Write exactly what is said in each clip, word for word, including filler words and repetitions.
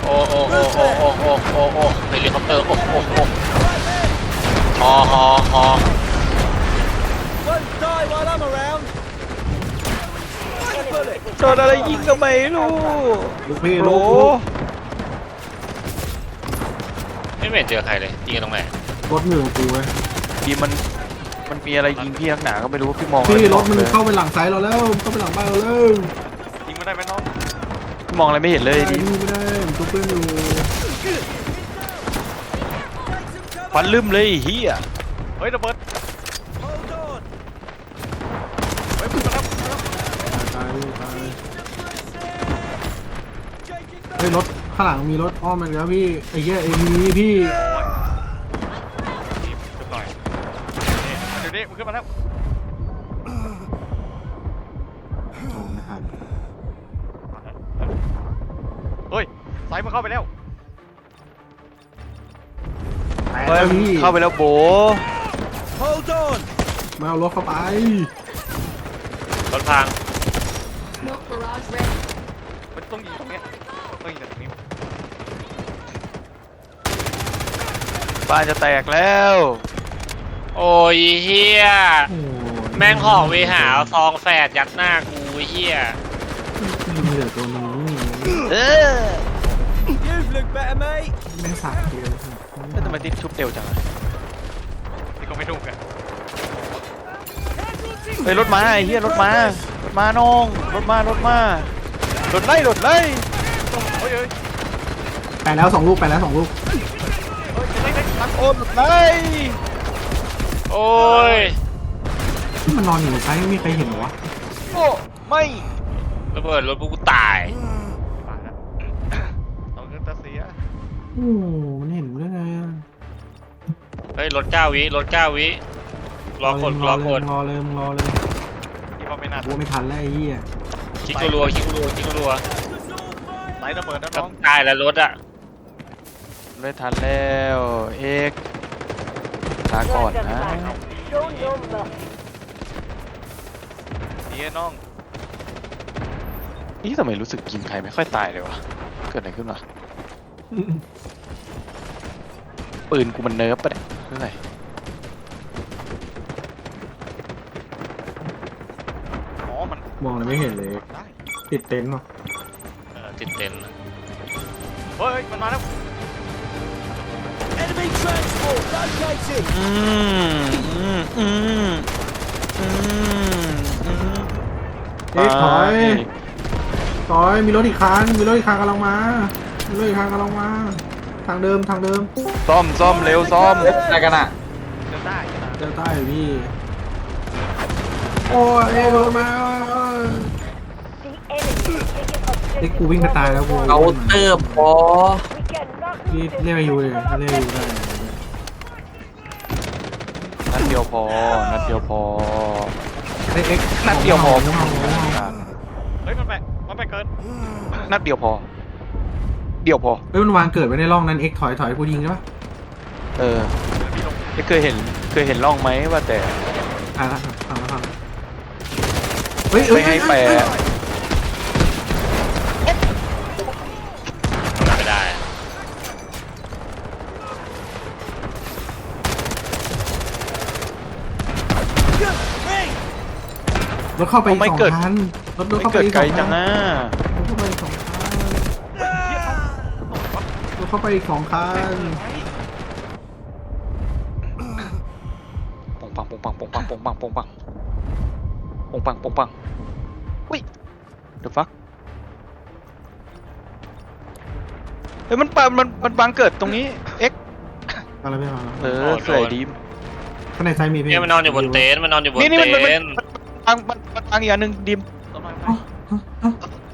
โอ้โอ้โอ้โอ้โอ้โอ้โอ้โอ้เฮลิคอปเตอร์โอ้โอ้โอ้ฮอฮอฮอโดนอะไรยิงก็ไม่รู้ลูกพี่โหลูกไม่เห็นเจอใครเลยยิงกันตรงไหนรถอยู่กับกูเว้ยดีมันมันมีอะไรยิงพี่นักหนาก็ไม่รู้พี่มองพี่อะไรรถมันเลยเข้าไปหลังไซส์เราแล้วเข้าไปหลังบ้านเราแล้วยิงไม่ได้ไหมน้องพี่มองอะไรไม่เห็นเลยไอ้ดินี่ไม่ได้ผมตัวเพื่อนอยู่ฟันลืมเลยเฮียเฮ้ยระเบิดเฮ้ยมาแล้วตายตายเฮ้ยรถข้างหลังมีรถอ้อมมาแล้วพี่ไอ้เหี้ยเอ็มวีพี่หน่อยเดี๋ยวนี้มึงขึ้นมาแล้วโอ้ไม่ทันเฮ้ยสายมันเข้าไปแล้วแตกเฮ้ยแล้วพี่เข้าไปแล้วโบมาเอารถเข้าไปรถพัง Smoke barrage ready. มันต้องยิงตรงเนี้ยต้องยิงตรงนี้บ้านจะแตกแล้วโอ้ยเฮียโอ้แม่งห่อเวหาซองแฝดยัดหน้ากูเฮียมีเหลือตัวนี้เออแม่งสาดตัวแล้วทำไมติดชุบเร็วจังอะนี่ก็ไม่ถูกอะเฮ้ยรถมาไอ้เหี้ยรถมารถมาน้องรถมารถมารถไล่รถไล่เฮ้ยเฮ้ยไปแล้วสองลูกไปแล้วสองลูกเฮ้ยเฮ้ยเฮ้ยตังโอนรถไล่โอ้ยที่มันนอนอยู่บนไซส์ไม่มีใครเห็นเหรอวะโอ้ไม่ระเบิดรถกูตายมาแล้วเอาเงินตาเสียโอ้มันเห็นได้ไงอะเฮ้ยรถเก้าวิรถเก้าวิรอกดรอกดรอเลยมึงรอเลยที่ว่าไม่น่ากูไม่ทันแล้วไอ้เหี้ยคิกรัวคิกรัวคิกรัวไหลระเบิดนะต้น้อองงตายแล้วรถอ่ะไม่ทันแล้วเอกลาก่อนนะนี่น้องนี่ทำไมรู้สึกยิงใครไม่ค่อยตายเลยวะเกิดอะไรขึ้นวะปืนกูมันเนิร์ฟปะเนี่ยเรื่องอะไร อ๋อ มันมองอะไรไม่เห็นเลยได้ติดเต็นท์วะเออติดเต็นท์เฮ้ย มันมาแล้ว อืมอืมอืมอืมอืมเอ๊ะถอยถอยมีรถอีกคันมีรถอีกคันกำลังมามีรถอีกคันกำลังมา ทางเดิมทางเดิมซ่อมซ่อมเร็วซ่อมอะไรกันอ่ะจะได้จะได้เดินใต้อยู่พี่โอ้ยเอ๊ะรถมาเอ๊ะกูวิ่งไปตายแล้วกูเอาเติบพอพี่เรียกอายุเลยเรียกอายุได้นัดเดียวพอ นัดเดียวพอเอ๊ะเอ๊ะนัดเดียวพอไม่เอาไม่เอาเฮ้ย มันไปมันไปเกิน นัดเดียวพอ เดียวพอเฮ้ยมันวางเกิดไว้ในร่องนั้นเอ็กถอยถอยกูยิงใช่ปะเออเคยเห็น เคยเห็นร่องไหมว่าแต่อ่ะละทำแล้วทำเฮ้ยเอ้ไม่ยให้แปะไม่ได้รถเข้าไปอีกสองคันรถรถไม่เข้าไปเกิดอีกไกสลองจัคังนนะรถเข้าไปอีกสองคันรถเข้าไปอีกสองคันปงปังปงปังปงปังปงปังปงปังปงปังปงปังอุ้ย the fuck เฮ้ยมันปะมันมันบังเกิดตรงนี้ X อะไรไม่มาเออสวยดีข้างในไซมีพี่เนี่ยมันนอนอยู่บนเต็นท์มันนอนอยู่บนนี่นี่เต็มันมันนท์บังมันมันบังอีกอันหนึ่งดิมอ๋ออ๋ออ๋อ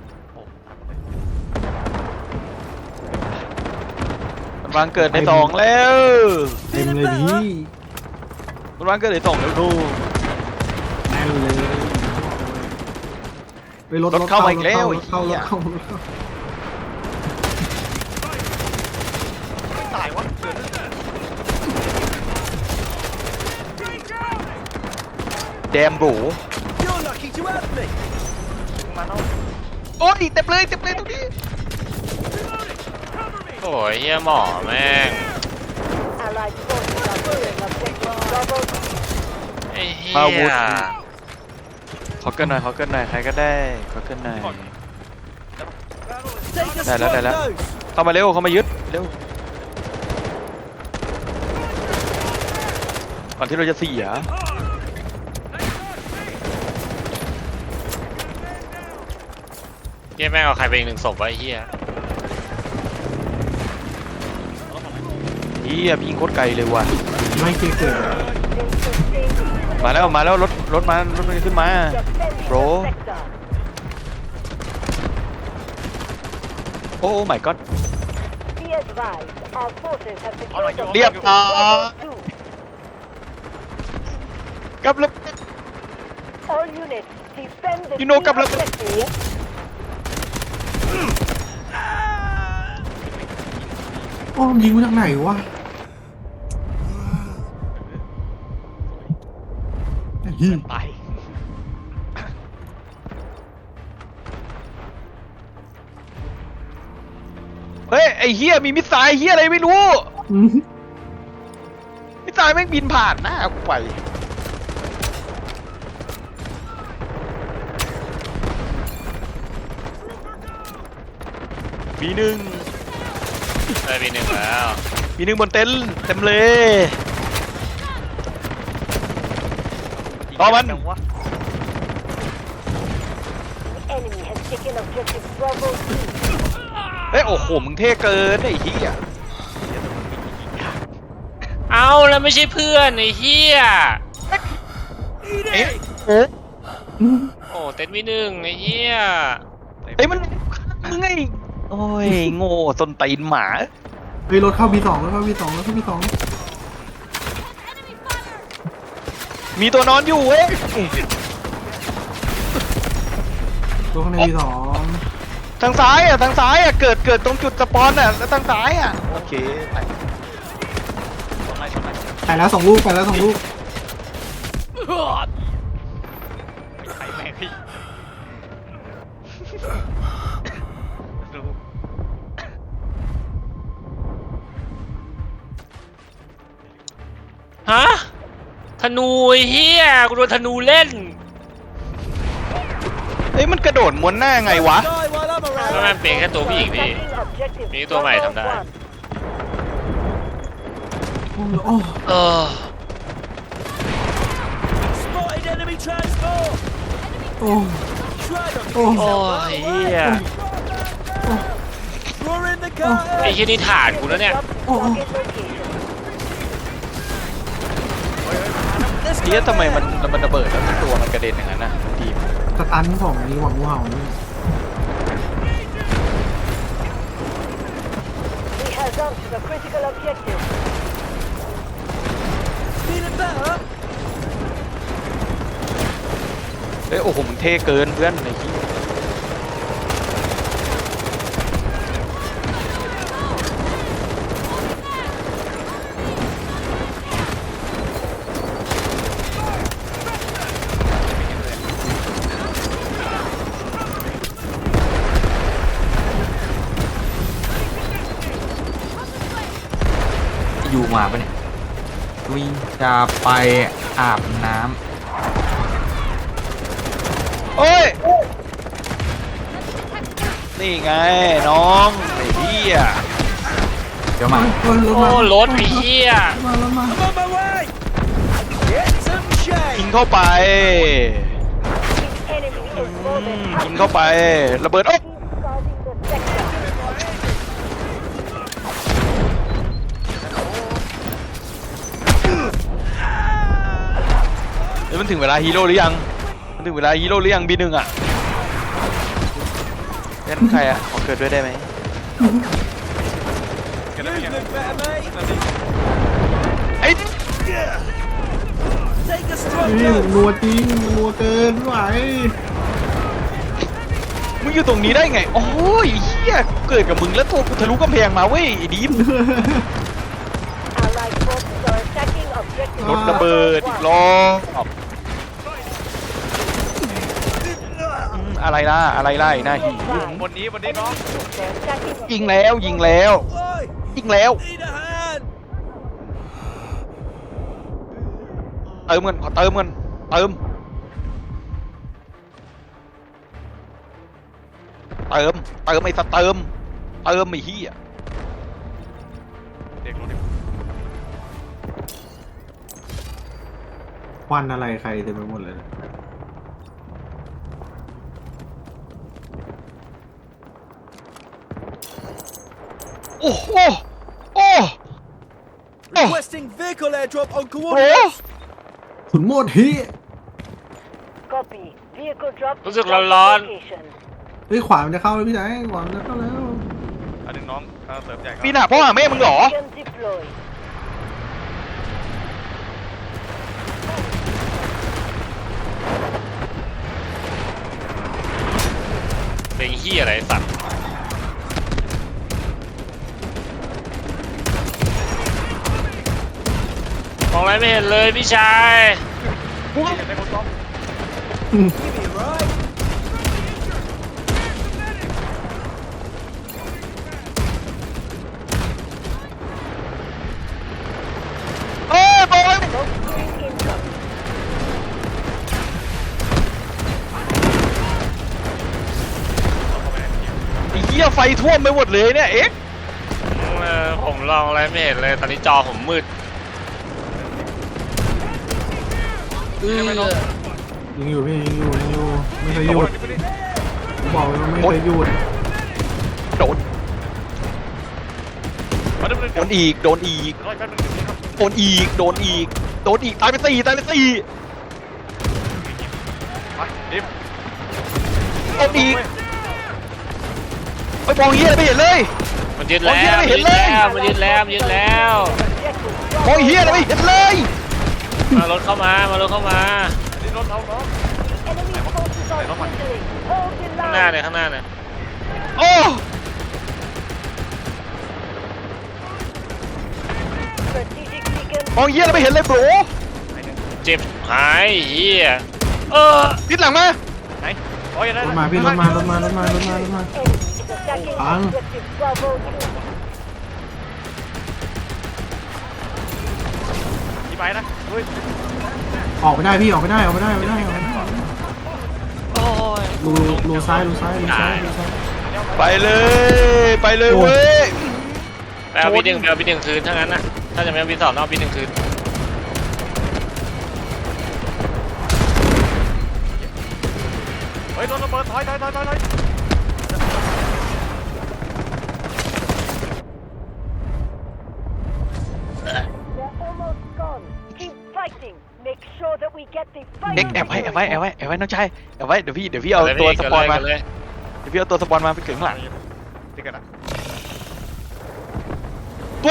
มันบังเกิดในสองแล้วเต็มเลยพี่มันบังเกิดในสองแล้วดูแน่นเลยไปรถรถเข้ามาอีกแล้วรถเข้ารไอ้ถเหี้ยเข้ารถเข้าไม่ตายวะแดมโบมาเนาะโอ้ยเต็มเลยเต็มเลยตรงนี้โอ้ยเฮียหมอแม่ง Allied forces are clearing objective Bravo. ไอ้เฮีอาวุธยขอเกินหน่อยขอเกินหน่อยใครก็ได้ขอเกินหน่อยได้แล้วได้แล้วเข้ามาเร็วเข้ามายึดเร็วก่อนที่เราจะเสียเฮียแม่งเอาใครไปอีกหนึ่งศพไว้ไอ้เฮียเฮียพี่ยิงโคตรไกลเลยว่ะไม่เกิดเกิดมาแล้วมาแล้วรถรถมารถมันขึ้นมา Defend Bro. the sector. โอ้ไม่ก็ Be advised, our forces have secured the เรียบร้อย Bravo two. กับระ All units, defend the You know, key couple of- objectives. โอ้ยิงมาจากไหนวะเหี้ยตายเฮ้ยไอเฮียมีมิสไซล์เฮียอะไรไม่รู้อืมมิสไซล์แม่งบินผ่านหน้ากูไปมีหนึ่งได้ปีหนึ่งแล้วมีหนึ่งบนเต็นท์เต็มเลยรอมัน The enemy has taken objective Bravo two. เฮ้ยโอ้โหมึงเท่เกินไอ้เหี้ยเอาแล้วไม่ใช่เพื่อนไอ้เฮียเอ๊ะโอ้โอ้เต็นท์มีหนึ่งไอ้เฮียเอ้ยมันมึงไงโอ้ยโง่ส้นตีนหมาเฮ้ยรถเข้า บี สองรถเข้า บี สองรถเข้า บี สองมีตัวนอนอยู่เว้ยตัวข้างใน บี สองทางซ้ายอ่ะทางซ้ายอ่ะเกิดเกิดตรงจุดสปอนอ่ะแล้วทางซ้ายอ่ะโอเคไปไปแล้วสองลูกไปแล้วสองลูกไอ้แม่งพี่ฮะธนูไอ้เฮียกูโดนธนูเล่นเฮ้ยมันกระโดดม้วนหน้าไงวะแล้วมันเป็นแค่ตัวผู้หญิงพี่ Attacking objective มีตัวใหม่ Bravo ทำได้ one. โอ้โอ้เออ Spotted enemy transport! โอ้ Try them! โอ้โอ้ยเฮีย We're in the car! ไอ้เฮียนี่ฐานกูแล้วเนี่ยโอ้โอ้ Target location. เฮียทำไมมันมันระเบิดแล้วตัวมันกระเด็นอย่างนั้นนะทีมสตันของนี้หวังงูเห่านี่ We have jumped to the critical objective. Feeling better? เฮ้ยโอ้โหมึงเท่เกินเพื่อนไอ้เหี้ยอยู่มาปะเนี่ยวิงจะไปอาบน้ำโอ้ย นี่ไงน้องไอ้เหี้ยเดี๋ยวมาโอ้ยรถโอ้มารถไอ้เฮียมารถมา I'm on my way! Get some ยิง shade! เข้าไป The enemy is more อื than มยิงเข้าไป ระเบิดโอ๊ะ guarding the sector. เดี๋ยวมันถึงเวลาฮีโร่หรือยัง มันถึงเวลาฮีโร่หรือยังบีหนึ่งอ่ะเล่นใครอ่ะขอเกิดด้วยได้ไหม You look better, mate! ไอ้ Take a strong นี่ dose! นัวจริงนัวเกินไม่ไหวมึงอยู่ตรงนี้ได้ไง โอ้ยเฮียเกิดกับมึงแล้วตัวกูทะลุกำแพงมาเว้ยไอ้ดีม Allied forces are attacking objective รถระเบิดอีกรอบอืมอะไรล่ะ อะไรล่ะไอ้หน้าหีบนนี้บนนี้น้องยิงแล้วยิงแล้ว Oi! ยิงแล้ว Need a hand. เติมเงินขอเติมเงินเติมเติมเติมไอ้สัตว์เติมเติมไอ้เหี้ยเด็กรถเด็กควันอะไรใครเต็มไปหมดเลยโอ้โหโอ้ Requesting vehicle airdrop on โห coordinates. ขุนโมดฮิ Copy. Vehicle drop. รู้สึกร้อน location. เฮ้ยขวามันจะเข้าแล้วพี่ไหนขวามันจะเข้าแล้วอันหนึ่งน้องเออเสริมใหญ่ครับปีหน้าพ่อหาแม่มึงเหรอ Gun deployed. ๆเป็นเฮียอะไรไอ้สัตว์มองอะไรไม่เห็นเลยพี่ชายได้คนซ้อม Give me a ride. เอ้ยบอย Smoke screen incoming. ไอ้เหี้ยไฟท่วมไปหมดเลยเนี่ยเอ๊ะเออผมลองอะไรไม่เห็นเลยตอนนี้จอผมมืดเออยิงอยู่พี่ยิงอยู่ยิงอยู่ไม่เคยหยุดผมบอกเลยว่าไม่เคยหยุดโดนมาดูเลยโดนอีกโดนอีกร้อยแป๊บนึงเดี๋ยวนี้ครับโดนอีกโดนอีกโดนอีกตายไปสี่ตายไปสี่ไปดิมโดนอีกไปมองเหี้ยอะไรไม่เห็นเลยมันยึดแล้วโอ้ยเหี้ยไม่เห็นเลยมันยึดแล้วมันยึดแล้ว Objective มองเหี้ยอะไรไม่เห็นเลยมารถเข้ามามารถเข้ามานี่รถเราเนาะ enemy forces are dwindling. Hold the ข้างหน้า line. เนี่ยข้างหน้าเนี่ยโอ้ Strategic beacon. มองเหี้ยอะไรไม่เห็นเลยโบรเจ็บหายเฮียเออทิศหลังมาไหนโอ้ยได้รถมาพี่รถมารถมารถมารถมารถมา Enemy is attacking Bang. objective Bravo two. ที่ไปนะเฮ้ยออกไม่ได้พี่ออกไม่ได้ออกไม่ได้ออกไม่ได้ออกไม่ได้โอ้ยรูรูซ้ายรูซ้ายรูซ้ายรูซ้ายไปเลยไปเลยเว้ยไปเอาบีหนึ่งไปเอาบีหนึ่งคืนถ้างั้นนะถ้าจะไม่เอาบีสองเอาบีหนึ่งคืนเฮ้ยรถระเบิดถอยถอยถอยถอยถอย They're almost gone. Keep fighting. Make sure that we get the เอ็ก final แอบไว้แอบไว้แอบ victory. ไว้แอบไว้น้องชายแอบไว้เดี๋ยวพี่เดี๋ยวพี่เอาตัวสปอนมาเลยเดี๋ยวพี่เอาตัวสปอนมาไปถึงข้างหลังติดกันอ่ะตัว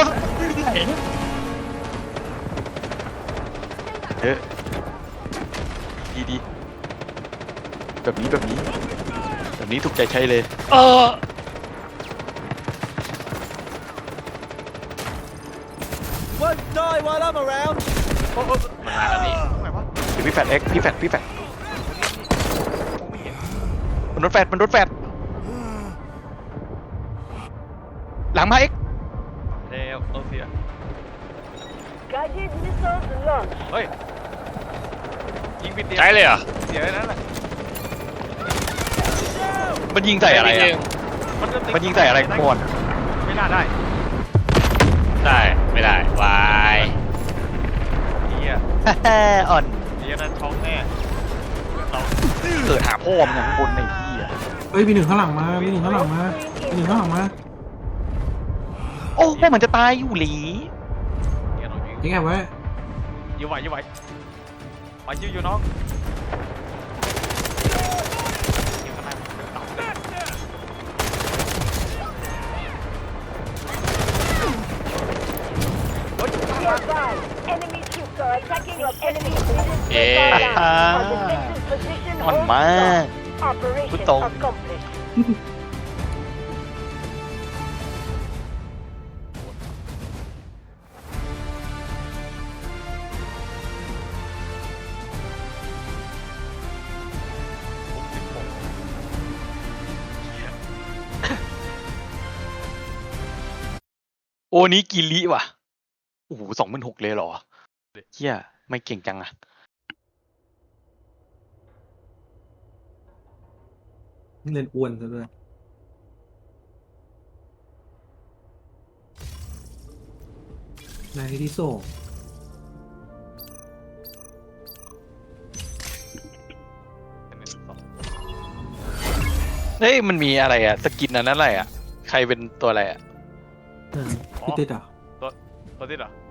เออดีดีแบบนี้แบบนี้แบบนี้ถูกใจใช้เลยเออ Won't die while I'm around. โอ้โหมันมาแล้วนี่ตรงไหนวะเดี๋ยวพี่แฟดเอ็กพี่แฟดพี่แฟดมันรถแฟดมันรถแฟดหลังมาเอ็กแล้วเออเสีย Guided missiles launched. เฮ้ยยิงปิดเตียงใช้เลยเหรอเสียเลยนั่นแหละมันยิงใส่อะไรบีหอ่ะนึ่งมันจะติดมันยิงใส่อะไรก่อนไม่น่าได้ได้ไม่ได้วายเฮียอ่อนเฮียนั่นท้องแน่เราเกิดหาพ่อมันอย่างข้างบนในที่อ่ะเฮ้ยมีหนึ่งข้างหลังมามีหนึ่งข้างหลังมามีหนึ่งข้างหลังมาโอ้พวกมันจะตายอยู่หลีเฮียเรายิงยิงแอบไว้ยื้อไหวยื้อไหวมายื้ออยู่น้องยิงข้างในมันเป็นต่ำเลย Be advised. Enemy troops are attacking your enemy citizens. Yeah. On defensive position. อ่อน Hold มาก strong. Operation Betul. accomplished. โอนี้กิริว่ะโอ้โหสองหมื่นหกเลยเหรอเฮียไม่เก่งจังอะเล่นอ้วนซะด้วยนายที่ส่งเฮ้ยมันมีอะไรอะสกินอันนั้นอะไรอะใครเป็นตัวอะไรอะพี่ติดอ่ะตัวติดเหรอ